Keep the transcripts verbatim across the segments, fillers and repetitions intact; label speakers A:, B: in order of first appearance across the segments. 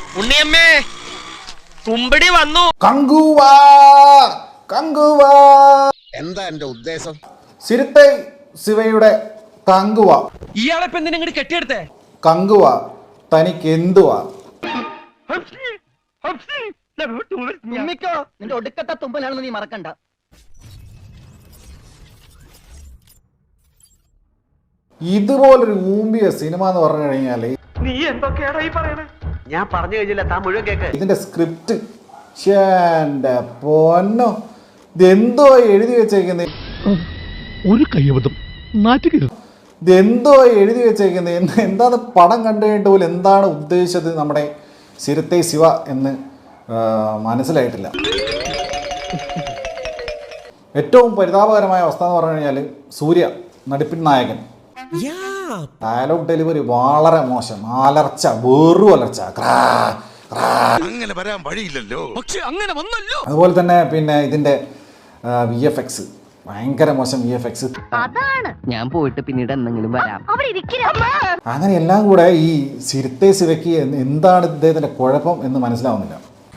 A: ഉണ്ണിയമ്മേ കുമ്പടി വന്നു.
B: കങ്കുവാ കങ്കുവാ.
C: എന്താ എന്റെ ഉദ്ദേശം?
B: സിരുത്തെ ശിവയുടെ കങ്കുവ.
A: ഇയാളെ പെണ്ണിനെ ഇങ്ങോട്ട് കെട്ടിയെടുത്തേ.
B: കങ്കുവ തനിക്ക് എന്തുവാ?
D: നിന്റെ ഒടുക്കത്തെ തുമ്പലാണെന്ന് നീ മറക്കണ്ട.
B: ഇതുപോലൊരു ഊമ്പിയ സിനിമ എന്ന് പറഞ്ഞു കഴിഞ്ഞാല്
A: നീ എന്തൊക്കെയാണോ ഈ പറയണേ?
D: ഞാൻ പറഞ്ഞു കഴിഞ്ഞില്ല, താൻ മുഴുവൻ കേക്ക്.
B: ഇതിന്റെ സ്ക്രിപ്റ്റ് എന്റെ പൊന്നോ, ഇതെന്തോ എഴുതി വെച്ചേക്കുന്നത്.
E: ഒരു കയ്യബദ്ധം നാറ്റുകരുത്.
B: ഇതെന്തോ എഴുതി വെച്ചേക്കുന്നത്. എന്താണ് പടം കണ്ടു കഴിഞ്ഞിട്ട് പോലും എന്താണ് ഉദ്ദേശിച്ചത് നമ്മുടെ സിരുത്തെ ശിവ എന്ന് മനസ്സിലായിട്ടില്ല. ഏറ്റവും പരിതാപകരമായ അവസ്ഥ എന്ന് പറഞ്ഞു കഴിഞ്ഞാൽ സൂര്യ നടിപ്പിൻ നായകൻ ഡയലോഗ് ഡെലിവറി വളരെ മോശം. അലർച്ച, വെറും അലർച്ച.
C: അങ്ങനെ വരാൻ വഴിയില്ലല്ലോ.
A: പക്ഷെ അങ്ങനെ വന്നല്ലോ.
B: അതുപോലെ തന്നെ പിന്നെ ഇതിന്റെ വി എഫ് എക്സ് ഭയങ്കര മോശം. വി എഫ് എക്സ്
D: അതാണ് ഞാൻ പോയിട്ട് പിന്നീട് എന്തെങ്കിലും വരാം.
B: അങ്ങനെ എല്ലാം കൂടെ ഈ സിരുത്തെ ശിവയ്ക്ക് എന്താണ് ഇദ്ദേഹത്തിന്റെ കുഴപ്പം എന്ന് മനസ്സിലാവുന്നില്ല.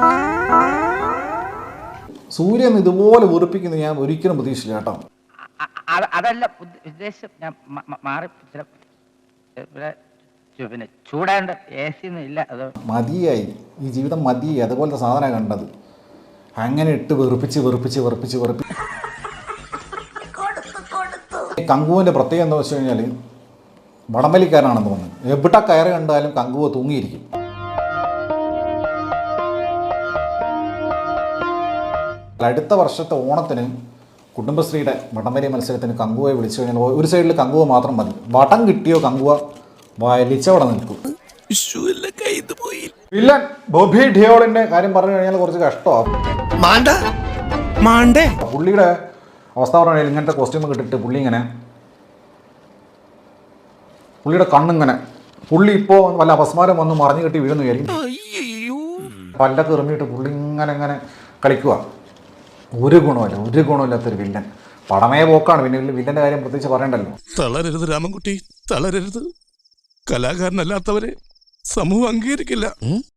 B: സൂര്യൻ ഇതുപോലെ വെറുപ്പിക്കുന്നത് ഞാൻ ഒരിക്കലും പ്രതീക്ഷിച്ചില്ല കേട്ടോ.
D: അതല്ല ഉദ്ദേശം, ഞാൻ മാറി പിന്നെ ചൂടാണ്ട് എ സി ഒന്നും ഇല്ല. അത്
B: മതിയായി, ഈ ജീവിതം മതിയായി. അതുപോലത്തെ സാധനം കണ്ടത് അങ്ങനെ ഇട്ട് വെറുപ്പിച്ച് വെറുപ്പിച്ച് വെറുപ്പിച്ച് വെറുപ്പിച്ച്. കങ്കുവിന്റെ പ്രത്യേകത എന്താ വെച്ച് കഴിഞ്ഞാൽ വടംവലിക്കാരനാണെന്ന് തോന്നുന്നു. എവിടെ കയറി കണ്ടാലും കങ്കുവ തൂങ്ങിയിരിക്കും. അടുത്ത വർഷത്തെ ഓണത്തിന് കുടുംബശ്രീയുടെ വടംവലി മത്സരത്തിന് കങ്കുവയെ വിളിച്ചു കഴിഞ്ഞാൽ ഒരു സൈഡിൽ കങ്കുവ മാത്രം മതി. വടം കിട്ടിയോ കങ്കുവ വലിച്ചവിടെ നിൽക്കും. വില്ലൻ ബോബി ഡിയോളിന്റെ കാര്യം പറഞ്ഞു കഴിഞ്ഞാൽ കുറച്ച് കഷ്ടമാണ്. പുള്ളിയുടെ അവസ്ഥ പറഞ്ഞാൽ ഇങ്ങനത്തെ കോസ്റ്റ്യൂം കിട്ടിയിട്ട് പുള്ളി ഇങ്ങനെ പുള്ളിയുടെ കണ്ണിങ്ങനെ പുള്ളി ഇപ്പോൾ വല്ല അപസ്മാരം വന്ന് മറിഞ്ഞു കെട്ടി വീഴുന്നു വിചാരിക്കും. പല്ലൊക്കെ എറിഞ്ഞിട്ട് പുള്ളി ഇങ്ങനെ ഇങ്ങനെ കളിക്കുക. ഒരു ഗുണമില്ല, ഒരു ഗുണമില്ലാത്തൊരു വില്ലൻ. പടമേ പോക്കാണ്. പിന്നെ വില്ലന്റെ കാര്യം പ്രത്യേകിച്ച് പറയണ്ടല്ലോ.
F: തളരരുത് രാമൻകുട്ടി, തളരരുത്. കലാകാരനല്ലാത്തവരെ സമൂഹം അംഗീകരിക്കില്ല.